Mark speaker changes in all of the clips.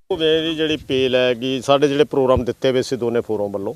Speaker 1: ਮੇਰੀ ਜਿਹੜੀ ਪੇਲ हैगी ਸਾਡੇ ਜਿਹੜੇ ਪ੍ਰੋਗਰਾਮ ਦਿੱਤੇ ਵੇ ਸੀ ਦੋਨੇ ਫੋਰਮ ਵੱਲੋਂ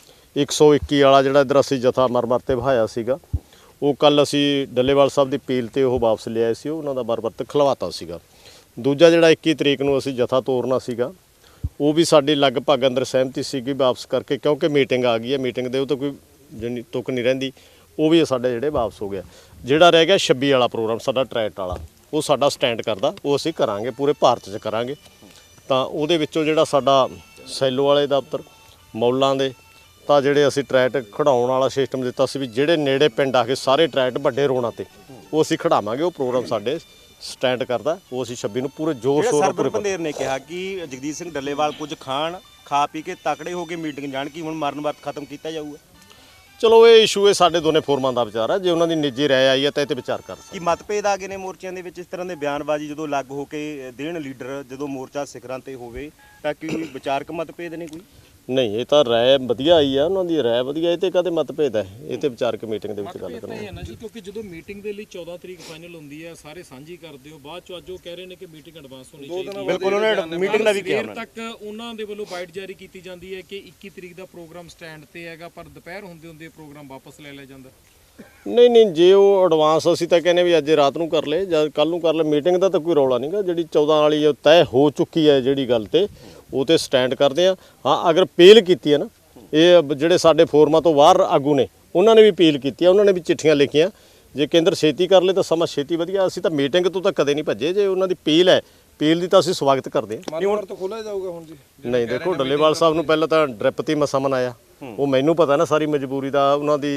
Speaker 1: 121 ਵਾਲਾ ਜਿਹੜਾ ਇੱਧਰ ਅਸੀਂ ਜਥਾ ਮਰ-ਮਰ ਤੇ ਵਹਾਇਆ ਸੀਗਾ ਉਹ ਕੱਲ ਅਸੀਂ ਡੱਲੇਵਾਲ ਸਾਹਿਬ ਦੀ ਪੇਲ ਤੇ ਉਹ ਵਾਪਸ ਲਿਆਏ ਸੀ ਉਹਨਾਂ ਦਾ ਮਰ-ਮਰ ਤੇ ਖਲਵਾਤਾ ਸੀਗਾ। ਦੂਜਾ ਜਿਹੜਾ 21 ਤਰੀਕ ਨੂੰ ਅਸੀਂ ਜਥਾ ਤੋਰਨਾ ਸੀਗਾ ਉਹ ਵੀ ਸਾਡੀ ਲਗਭਗ ਅੰਦਰ ਸਹਿਮਤੀ ਸੀਗੀ ਵਾਪਸ ਕਰਕੇ ਕਿਉਂਕਿ ਮੀਟਿੰਗ ਆ ਗਈ ਹੈ ਮੀਟਿੰਗ ਦੇ ਉਹ ਤਾਂ ਕੋਈ ਜਿਹੜੀ ਤੁਕ ਨਹੀਂ ਰਹਿੰਦੀ ਉਹ ਵੀ ਸਾਡੇ ਜਿਹੜੇ ਵਾਪਸ ਹੋ ਗਿਆ। ਜਿਹੜਾ ਰਹਿ ਗਿਆ 26 ਵਾਲਾ ਪ੍ਰੋਗਰਾਮ ਸਾਡਾ ਟਰੈਟ ਵਾਲਾ ਉਹ ਸਾਡਾ ਸਟੈਂਡ ਕਰਦਾ ਉਹ ਅਸੀਂ ਕਰਾਂਗੇ ਪੂਰੇ ਭਾਰਤ 'ਚ ਕਰਾਂਗੇ। ਤਾਂ ਉਹਦੇ ਵਿੱਚੋਂ ਜਿਹੜਾ ਸਾਡਾ ਸੈਲੋ ਵਾਲੇ ਦਫ਼ਤਰ ਮੌਲਾਂ ਦੇ ਤਾਂ ਜਿਹੜੇ ਅਸੀਂ ਟਰੈਟ ਖੜਾਉਣ ਵਾਲਾ ਸਿਸਟਮ ਦਿੱਤਾ ਸੀ ਵੀ ਜਿਹੜੇ ਨੇੜੇ ਪਿੰਡ ਆ ਕੇ ਸਾਰੇ ਟਰੈਟ ਵੱਡੇ ਰੋਣਾ ਤੇ ਉਹ ਅਸੀਂ ਖੜਾਵਾਂਗੇ। ਉਹ ਪ੍ਰੋਗਰਾਮ ਸਾਡੇ ਸਟੈਂਡ ਕਰਦਾ ਉਹ ਅਸੀਂ 26 ਨੂੰ ਪੂਰੇ ਜ਼ੋਰ ਸ਼ੋਰ ਨਾਲ
Speaker 2: ਪੂਰੇ ਬੰਦੇਰ ਨੇ ਕਿਹਾ ਕਿ ਜਗਦੀਸ਼ ਸਿੰਘ ਡੱਲੇਵਾਲ ਕੁਝ ਖਾਣ ਖਾ ਪੀ ਕੇ ਤਕੜੇ ਹੋ ਕੇ ਮੀਟਿੰਗ ਜਾਣ ਕਿ ਹੁਣ ਮਰਨ ਵਰਤ ਖਤਮ ਕੀਤਾ ਜਾਊਗਾ।
Speaker 1: ਚਲੋ ਇਹ ਇਸ਼ੂ ਇਹ ਸਾਡੇ ਦੋਨੇ ਫੋਰਮਾਂ ਦਾ ਵਿਚਾਰ ਹੈ ਜੇ ਉਹਨਾਂ ਦੀ ਨਿੱਜੀ ਰਾਏ ਆਈ ਹੈ ਤਾਂ ਇਹ ਤੇ ਵਿਚਾਰ ਕਰ ਸਕਦੇ।
Speaker 2: ਕਿ ਮਤਭੇਦ ਆ ਗਏ ਨੇ ਮੋਰਚਿਆਂ ਦੇ ਵਿੱਚ ਇਸ ਤਰ੍ਹਾਂ ਦੇ ਬਿਆਨਬਾਜ਼ੀ ਜਦੋਂ ਲੱਗ ਹੋ ਕੇ ਦੇਣ ਲੀਡਰ ਜਦੋਂ ਮੋਰਚਾ ਸਿਖਰਾਂ ਤੇ ਹੋਵੇ ਤਾਂ ਕੋਈ ਵਿਚਾਰਕ ਮਤਭੇਦ ਨੇ ਕੋਈ
Speaker 1: ਨਹੀਂ ਇਹ ਤਾਂ ਰਾਏ ਵਧੀਆ ਆਈ ਆ ਉਹਨਾਂ ਦੀ ਰਾਏ ਵਧੀਆ ਇਹ ਤੇ ਕਦੇ ਮਤਭੇਦ ਹੈ ਇਹ ਤੇ ਵਿਚਾਰਕ ਮੀਟਿੰਗ ਦੇ ਵਿੱਚ ਗੱਲ ਕਰਾਂਗੇ
Speaker 3: ਨਾ ਜੀ ਕਿਉਂਕਿ ਜਦੋਂ ਮੀਟਿੰਗ ਦੇ ਲਈ 14 ਤਰੀਕ ਫਾਈਨਲ ਹੁੰਦੀ ਹੈ ਸਾਰੇ ਸਾਂਝੀ ਕਰਦੇ ਹੋ ਬਾਅਦ ਚ ਅੱਜ ਉਹ ਕਹਿ ਰਹੇ ਨੇ ਕਿ ਮੀਟਿੰਗ ਐਡਵਾਂਸ ਹੋਣੀ ਚਾਹੀਦੀ ਹੈ।
Speaker 2: ਬਿਲਕੁਲ ਉਹਨੇ ਮੀਟਿੰਗ ਦਾ ਵੀ ਕਿਹਾ
Speaker 3: ਉਹਨਾਂ ਤੱਕ ਉਹਨਾਂ ਦੇ ਵੱਲੋਂ ਬਾਈਟ ਜਾਰੀ ਕੀਤੀ ਜਾਂਦੀ ਹੈ ਕਿ 21 ਤਰੀਕ ਦਾ ਪ੍ਰੋਗਰਾਮ ਸਟੈਂਡ ਤੇ ਹੈਗਾ ਪਰ ਦੁਪਹਿਰ ਹੁੰਦੇ ਹੁੰਦੇ ਪ੍ਰੋਗਰਾਮ ਵਾਪਸ ਲੈ ਲਿਆ ਜਾਂਦਾ।
Speaker 1: ਨਹੀਂ ਜੇ ਉਹ ਐਡਵਾਂਸ ਅਸੀਂ ਤਾਂ ਕਹਿੰਦੇ ਵੀ ਅੱਜ ਰਾਤ ਨੂੰ ਕਰ ਲਏ ਜਾਂ ਕੱਲ ਨੂੰ ਕਰ ਲਏ ਮੀਟਿੰਗ ਦਾ ਤਾਂ ਕੋਈ ਰੌਲਾ ਨਹੀਂਗਾ ਜਿਹੜੀ 14 ਵਾਲੀ ਉਹ ਤੈਅ ਹੋ ਚੁੱਕੀ ਹੈ ਜਿਹੜੀ ਗੱਲ ਤੇ ਉਹ ਤੇ ਸਟੈਂਡ ਕਰਦੇ ਆ। ਹਾਂ ਅਗਰ ਅਪੀਲ ਕੀਤੀ ਹੈ ਨਾ ਇਹ ਜਿਹੜੇ ਸਾਡੇ ਫੋਰਮਾਂ ਤੋਂ ਬਾਹਰ ਆਗੂ ਨੇ ਉਹਨਾਂ ਨੇ ਵੀ ਅਪੀਲ ਕੀਤੀ ਹੈ ਉਹਨਾਂ ਨੇ ਵੀ ਚਿੱਠੀਆਂ ਲਿਖੀਆਂ ਜੇ ਕੇਂਦਰ ਛੇਤੀ ਕਰ ਲੇ ਤਾਂ ਸਮਾਂ ਛੇਤੀ ਵਧੀਆ। ਅਸੀਂ ਤਾਂ ਮੀਟਿੰਗ ਤੋਂ ਤਾਂ ਕਦੇ ਨਹੀਂ ਭੱਜੇ ਜੇ ਉਹਨਾਂ ਦੀ ਅਪੀਲ ਹੈ ਅਪੀਲ ਦੀ ਤਾਂ ਅਸੀਂ ਸਵਾਗਤ ਕਰਦੇ ਹਾਂ।
Speaker 4: ਮਨ ਤੋਂ ਖੋਲਿਆ ਜਾਊਗਾ ਹੁਣ ਜੀ
Speaker 1: ਨਹੀਂ ਦੇਖੋ ਡੱਲੇਵਾਲ ਸਾਹਿਬ ਨੂੰ ਪਹਿਲਾਂ ਤਾਂ ਡ੍ਰਿਪ ਤੇ ਮਸਾ ਮਨਾਇਆ ਉਹ ਮੈਨੂੰ ਪਤਾ ਨਾ ਸਾਰੀ ਮਜਬੂਰੀ ਦਾ ਉਹਨਾਂ ਦੀ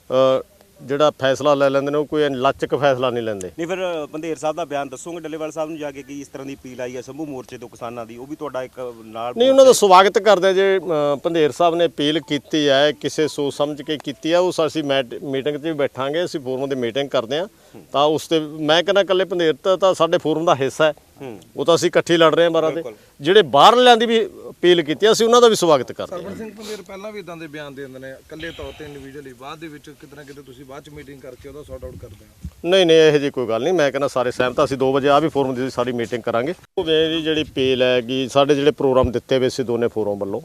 Speaker 1: ਜਿਹੜਾ ਫੈਸਲਾ ਲੈ ਲੈਂਦੇ ਨੇ ਉਹ ਕੋਈ ਲਚਕ ਫੈਸਲਾ ਨਹੀਂ ਲੈਂਦੇ।
Speaker 2: ਨਹੀਂ ਫਿਰ ਬੰਦੇਰ ਸਾਹਿਬ ਦਾ ਬਿਆਨ ਦੱਸੋਗੇ ਡੱਲੇਵਾਲ ਸਾਹਿਬ ਨੂੰ ਜਾ ਕੇ ਕਿ ਇਸ ਤਰ੍ਹਾਂ ਦੀ ਅਪੀਲ ਆਈ ਹੈ ਸੰਭੂ ਮੋਰਚੇ ਤੋਂ ਕਿਸਾਨਾਂ ਦੀ ਉਹ ਵੀ ਤੁਹਾਡਾ ਇੱਕ ਨਾਲ
Speaker 1: ਨਹੀਂ ਉਹਨਾਂ ਦਾ ਸਵਾਗਤ ਕਰਦੇ ਆ ਜੇ ਪੰਧੇਰ ਸਾਹਿਬ ਨੇ ਅਪੀਲ ਕੀਤੀ ਹੈ ਕਿਸੇ ਸੋਚ ਸਮਝ ਕੇ ਕੀਤੀ ਹੈ ਉਹ ਅਸੀਂ ਮੀਟਿੰਗ 'ਚ ਵੀ ਬੈਠਾਂਗੇ ਅਸੀਂ ਫੋਰਮ ਦੀ ਮੀਟਿੰਗ ਕਰਦੇ ਹਾਂ ਤਾਂ ਉਸ ਤੇ ਮੈਂ ਕਹਿੰਦਾ ਇਕੱਲੇ ਪੰਧੇਰ ਤਾਂ ਸਾਡੇ ਫੋਰਮ ਦਾ ਹਿੱਸਾ ਹੈ ਉਹ ਤਾਂ ਅਸੀਂ ਇਕੱਠੇ ਲੜ ਰਹੇ ਹਾਂ ਬਾਰਾਂ ਤੇ ਜਿਹੜੇ ਬਾਹਰਲਿਆਂ ਦੀ ਵੀ ਅਪੀਲ ਕੀਤੀ ਅਸੀਂ ਉਹਨਾਂ ਦਾ ਵੀ ਸਵਾਗਤ ਕਰਦੇ ਹਾਂ।
Speaker 4: ਸਰਵਣ ਸਿੰਘ ਪੰਦੇਰ ਪਹਿਲਾਂ ਵੀ ਇਦਾਂ ਦੇ ਬਿਆਨ ਦੇ ਦਿੰਦੇ ਨੇ ਇਕੱਲੇ ਤੌਰ ਤੇ ਇੰਡੀਵਿਜੂਅਲੀ ਬਾਅਦ ਦੇ ਵਿੱਚ ਕਿਤੇ ਨਾ ਕਿਤੇ ਤੁਸੀਂ ਬਾਅਦ ਚ ਮੀਟਿੰਗ ਕਰਕੇ ਉਹਦਾ ਸੌਟ ਆਊਟ ਕਰਦੇ ਹੋ।
Speaker 1: ਨਹੀਂ ਇਹੋ ਜਿਹੀ ਕੋਈ ਗੱਲ ਨਹੀਂ ਮੈਂ ਕਹਿੰਦਾ ਸਾਰੇ ਸਹਿਮਤ ਅਸੀਂ 2 ਵਜੇ ਆ ਵੀ ਫੋਰਮ ਦੀ ਸਾਰੀ ਮੀਟਿੰਗ ਕਰਾਂਗੇ। ਮੇਰੀ ਜਿਹੜੀ ਪੇਲ ਹੈਗੀ ਸਾਡੇ ਜਿਹੜੇ ਪ੍ਰੋਗਰਾਮ ਦਿੱਤੇ ਵੇ ਸੀ ਦੋਨੇ ਫੋਰਮ ਵੱਲੋਂ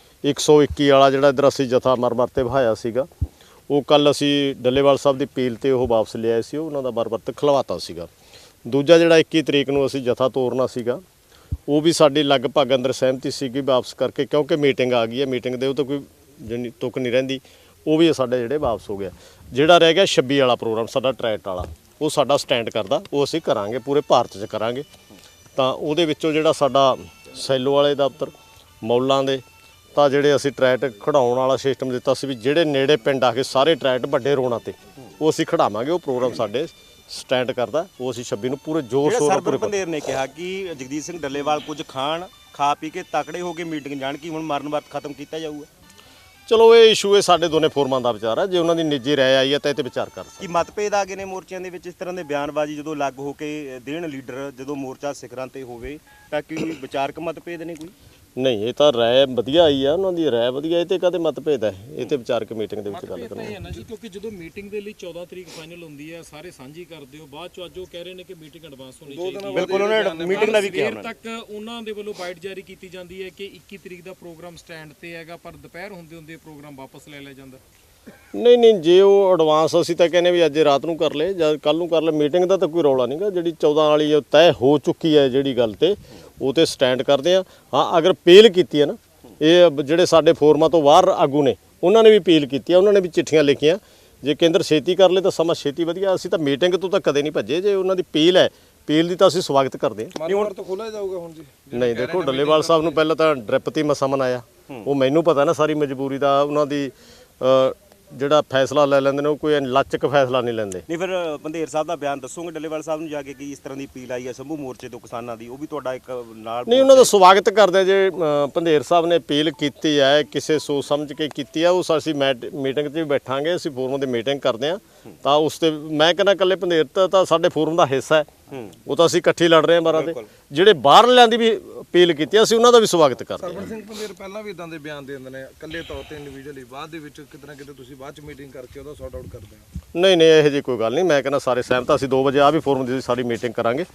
Speaker 1: 121 ਵਾਲਾ ਜਿਹੜਾ ਇੱਧਰ ਅਸੀਂ ਜਥਾ ਮਰ-ਮਰ ਤੇ ਵਹਾਇਆ ਸੀਗਾ ਉਹ ਕੱਲ ਅਸੀਂ ਡੱਲੇਵਾਲ ਸਾਹਿਬ ਦੀ ਪੇਲ ਤੇ ਉਹ ਵਾਪਸ ਲਿਆਏ ਸੀ ਉਹਨਾਂ ਦਾ ਮਰ-ਮਰ ਤੇ ਖਲਵਾਤਾ ਸੀਗਾ। ਦੂਜਾ ਜਿਹੜਾ 21 ਤਰੀਕ ਨੂੰ ਅਸੀਂ ਜਥਾ ਤੋਰਨਾ ਸੀਗਾ ਉਹ ਵੀ ਸਾਡੀ ਲਗਭਗ ਅੰਦਰ ਸਹਿਮਤੀ ਸੀਗੀ ਵਾਪਸ ਕਰਕੇ ਕਿਉਂਕਿ ਮੀਟਿੰਗ ਆ ਗਈ ਹੈ ਮੀਟਿੰਗ ਦੇ ਉਹ ਤਾਂ ਕੋਈ ਜਿਹੜੀ ਤੁਕ ਨਹੀਂ ਰਹਿੰਦੀ ਉਹ ਵੀ ਸਾਡੇ ਜਿਹੜੇ ਵਾਪਸ ਹੋ ਗਿਆ। ਜਿਹੜਾ ਰਹਿ ਗਿਆ 26 ਵਾਲਾ ਪ੍ਰੋਗਰਾਮ ਸਾਡਾ ਟਰੈਟ ਵਾਲਾ ਉਹ ਸਾਡਾ ਸਟੈਂਡ ਕਰਦਾ ਉਹ ਅਸੀਂ ਕਰਾਂਗੇ ਪੂਰੇ ਭਾਰਤ 'ਚ ਕਰਾਂਗੇ। ਤਾਂ ਉਹਦੇ ਵਿੱਚੋਂ ਜਿਹੜਾ ਸਾਡਾ ਸੈਲੋ ਵਾਲੇ ਦਫ਼ਤਰ ਮੌਲਾਂ ਦੇ ਤਾਂ ਜਿਹੜੇ ਅਸੀਂ ਟਰੈਟ ਖੜਾਉਣ ਵਾਲਾ ਸਿਸਟਮ ਦਿੱਤਾ ਸੀ ਵੀ ਜਿਹੜੇ ਨੇੜੇ ਪਿੰਡ ਆ ਕੇ ਸਾਰੇ ਟਰੈਟ ਵੱਡੇ ਰੋਣਾ ਤੇ ਉਹ ਅਸੀਂ ਖੜਾਵਾਂਗੇ। ਉਹ ਪ੍ਰੋਗਰਾਮ ਸਾਡੇ ਸਟੈਂਡ ਕਰਦਾ ਉਹ ਅਸੀਂ 26 ਨੂੰ ਪੂਰੇ ਜ਼ੋਰ ਸ਼ੋਰ ਨਾਲ ਪੂਰੇ
Speaker 2: ਬੰਦੇਰ ਨੇ ਕਿਹਾ ਕਿ ਜਗਦੀਸ਼ ਸਿੰਘ ਡੱਲੇਵਾਲ ਕੁਝ ਖਾਣ ਖਾ ਪੀ ਕੇ ਤਕੜੇ ਹੋ ਕੇ ਮੀਟਿੰਗ ਜਾਣ ਕਿ ਹੁਣ ਮਰਨ ਵਰਤ ਖਤਮ ਕੀਤਾ ਜਾਊਗਾ।
Speaker 1: ਚਲੋ ਇਹ ਇਸ਼ੂ ਇਹ ਸਾਡੇ ਦੋਨੇ ਫੋਰਮਾਂ ਦਾ ਵਿਚਾਰ ਹੈ ਜੇ ਉਹਨਾਂ ਦੀ ਨਿੱਜੀ ਰਾਏ ਆਈ ਹੈ ਤਾਂ ਇਹ ਤੇ ਵਿਚਾਰ ਕਰ ਸਕਦੇ।
Speaker 2: ਕਿ ਮਤਭੇਦ ਆ ਗਏ ਨੇ ਮੋਰਚਿਆਂ ਦੇ ਵਿੱਚ ਇਸ ਤਰ੍ਹਾਂ ਦੇ ਬਿਆਨਬਾਜ਼ੀ ਜਦੋਂ ਲੱਗ ਹੋ ਕੇ ਦੇਣ ਲੀਡਰ ਜਦੋਂ ਮੋਰਚਾ ਸਿਖਰਾਂ ਤੇ ਹੋਵੇ ਤਾਂ ਕੋਈ ਵਿਚਾਰਕ ਮਤਭੇਦ ਨੇ ਕੋਈ
Speaker 1: ਨਹੀਂ ਇਹ ਤਾਂ ਰਾਏ ਵਧੀਆ ਆਈ ਆ ਉਹਨਾਂ ਦੀ ਰਾਏ ਵਧੀਆ ਇਹ ਤੇ ਕਦੇ ਮਤਭੇਦ ਹੈ ਇਹ ਤੇ ਵਿਚਾਰਕ ਮੀਟਿੰਗ ਦੇ ਵਿੱਚ ਗੱਲ ਕਰਾਂਗੇ।
Speaker 3: ਨਾ ਜੀ ਕਿਉਂਕਿ ਜਦੋਂ ਮੀਟਿੰਗ ਦੇ ਲਈ 14 ਤਰੀਕ ਫਾਈਨਲ ਹੁੰਦੀ ਹੈ ਸਾਰੇ ਸਾਂਝੀ ਕਰਦੇ ਹੋ ਬਾਅਦ ਚ ਅੱਜ ਉਹ ਕਹਿ ਰਹੇ ਨੇ ਕਿ ਮੀਟਿੰਗ ਐਡਵਾਂਸ ਹੋਣੀ ਚਾਹੀਦੀ ਹੈ।
Speaker 2: ਬਿਲਕੁਲ ਉਹਨੇ ਮੀਟਿੰਗ ਦਾ ਵੀ ਕਿਹਾ
Speaker 3: ਤੱਕ ਉਹਨਾਂ ਦੇ ਵੱਲੋਂ ਬਾਈਟ ਜਾਰੀ ਕੀਤੀ ਜਾਂਦੀ ਹੈ ਕਿ 21 ਤਰੀਕ ਦਾ ਪ੍ਰੋਗਰਾਮ ਸਟੈਂਡ ਤੇ ਹੈਗਾ ਪਰ ਦੁਪਹਿਰ ਹੁੰਦੇ ਹੁੰਦੇ ਪ੍ਰੋਗਰਾਮ ਵਾਪਸ ਲੈ ਲਿਆ ਜਾਂਦਾ।
Speaker 1: ਨਹੀਂ ਜੇ ਉਹ ਐਡਵਾਂਸ ਅਸੀਂ ਤਾਂ ਕਹਿੰਦੇ ਵੀ ਅੱਜ ਰਾਤ ਨੂੰ ਕਰ ਲਏ ਜਾਂ ਕੱਲ ਨੂੰ ਕਰ ਲਏ ਮੀਟਿੰਗ ਦਾ ਤਾਂ ਕੋਈ ਰੌਲਾ ਨਹੀਂਗਾ ਜਿਹੜੀ 14 ਵਾਲੀ ਉਹ ਤੈਅ ਹੋ ਚੁੱਕੀ ਹੈ ਜਿਹੜੀ ਗੱਲ ਤੇ ਉਹ ਤੇ ਸਟੈਂਡ ਕਰਦੇ ਆ। ਹਾਂ ਅਗਰ ਅਪੀਲ ਕੀਤੀ ਹੈ ਨਾ ਇਹ ਜਿਹੜੇ ਸਾਡੇ ਫੋਰਮਾਂ ਤੋਂ ਬਾਹਰ ਆਗੂ ਨੇ ਉਹਨਾਂ ਨੇ ਵੀ ਅਪੀਲ ਕੀਤੀ ਹੈ ਉਹਨਾਂ ਨੇ ਵੀ ਚਿੱਠੀਆਂ ਲਿਖੀਆਂ ਜੇ ਕੇਂਦਰ ਛੇਤੀ ਕਰ ਲੇ ਤਾਂ ਸਮਾਂ ਛੇਤੀ ਵਧੀਆ। ਅਸੀਂ ਤਾਂ ਮੀਟਿੰਗ ਤੋਂ ਤਾਂ ਕਦੇ ਨਹੀਂ ਭੱਜੇ ਜੇ ਉਹਨਾਂ ਦੀ ਅਪੀਲ ਹੈ ਅਪੀਲ ਦੀ ਤਾਂ ਅਸੀਂ ਸਵਾਗਤ ਕਰਦੇ ਹਾਂ।
Speaker 4: ਮਨ ਤੋਂ ਖੋਲਿਆ ਜਾਊਗਾ ਹੁਣ ਜੀ
Speaker 1: ਨਹੀਂ ਦੇਖੋ ਡੱਲੇਵਾਲ ਸਾਹਿਬ ਨੂੰ ਪਹਿਲਾਂ ਤਾਂ ਡ੍ਰਿਪ ਤੇ ਮਸਾ ਮਨਾਇਆ ਉਹ ਮੈਨੂੰ ਪਤਾ ਨਾ ਸਾਰੀ ਮਜਬੂਰੀ ਦਾ ਉਹਨਾਂ ਦੀ ਜਿਹੜਾ ਫੈਸਲਾ ਲੈ ਲੈਂਦੇ ਨੇ ਉਹ ਕੋਈ ਲਚਕ ਫੈਸਲਾ ਨਹੀਂ ਲੈਂਦੇ।
Speaker 2: ਨਹੀਂ ਫਿਰ ਬੰਦੇਰ ਸਾਹਿਬ ਦਾ ਬਿਆਨ ਦੱਸੋਗੇ ਡੱਲੇਵਾਲ ਸਾਹਿਬ ਨੂੰ ਜਾ ਕੇ ਕਿ ਇਸ ਤਰ੍ਹਾਂ ਦੀ ਅਪੀਲ ਆਈ ਹੈ ਸੰਭੂ ਮੋਰਚੇ ਤੋਂ ਕਿਸਾਨਾਂ ਦੀ ਉਹ ਵੀ ਤੁਹਾਡਾ ਇੱਕ ਨਾਲ
Speaker 1: ਨਹੀਂ ਉਹਨਾਂ ਦਾ ਸਵਾਗਤ ਕਰਦੇ ਜੇ ਪੰਧੇਰ ਸਾਹਿਬ ਨੇ ਅਪੀਲ ਕੀਤੀ ਹੈ ਕਿਸੇ ਸੋਚ ਸਮਝ ਕੇ ਕੀਤੀ ਹੈ ਉਹ ਅਸੀਂ ਮੀਟਿੰਗ 'ਚ ਵੀ ਬੈਠਾਂਗੇ ਅਸੀਂ ਫੋਰਮ ਦੀ ਮੀਟਿੰਗ ਕਰਦੇ ਹਾਂ ਤਾਂ ਉਸ ਤੇ ਮੈਂ ਕਹਿੰਦਾ ਇਕੱਲੇ ਪੰਧੇਰ ਤਾਂ ਸਾਡੇ ਫੋਰਮ ਦਾ ਹਿੱਸਾ ਹੈ ਉਹ ਤਾਂ ਅਸੀਂ ਇਕੱਠੇ ਲੜ ਰਹੇ ਹਾਂ ਬਾਰਾਂ ਤੇ ਜਿਹੜੇ ਬਾਹਰਲਿਆਂ ਦੀ ਵੀ ਅਪੀਲ ਕੀਤੀ ਅਸੀਂ ਉਹਨਾਂ ਦਾ ਵੀ ਸਵਾਗਤ ਕਰਦੇ ਹਾਂ।
Speaker 4: ਸਰਵਣ ਸਿੰਘ ਪੰਦੇਰ ਪਹਿਲਾਂ ਵੀ ਇਦਾਂ ਦੇ ਬਿਆਨ ਦੇ ਦਿੰਦੇ ਨੇ ਇਕੱਲੇ ਤੌਰ ਤੇ ਇੰਡੀਵਿਜੂਅਲੀ ਬਾਅਦ ਦੇ ਵਿੱਚ ਕਿਤੇ ਨਾ ਕਿਤੇ ਤੁਸੀਂ ਬਾਅਦ ਚ ਮੀਟਿੰਗ ਕਰਕੇ ਉਹਦਾ ਸੌਟ ਆਊਟ ਕਰਦੇ ਹੋ।
Speaker 1: ਨਹੀਂ ਇਹੋ ਜਿਹੀ ਕੋਈ ਗੱਲ ਨਹੀਂ ਮੈਂ ਕਹਿੰਦਾ ਸਾਰੇ ਸਹਿਮਤ ਅਸੀਂ 2 ਵਜੇ ਆ ਵੀ ਫੋਰਮ ਦੀ ਸਾਰੀ ਮੀਟਿੰਗ ਕਰਾਂਗੇ।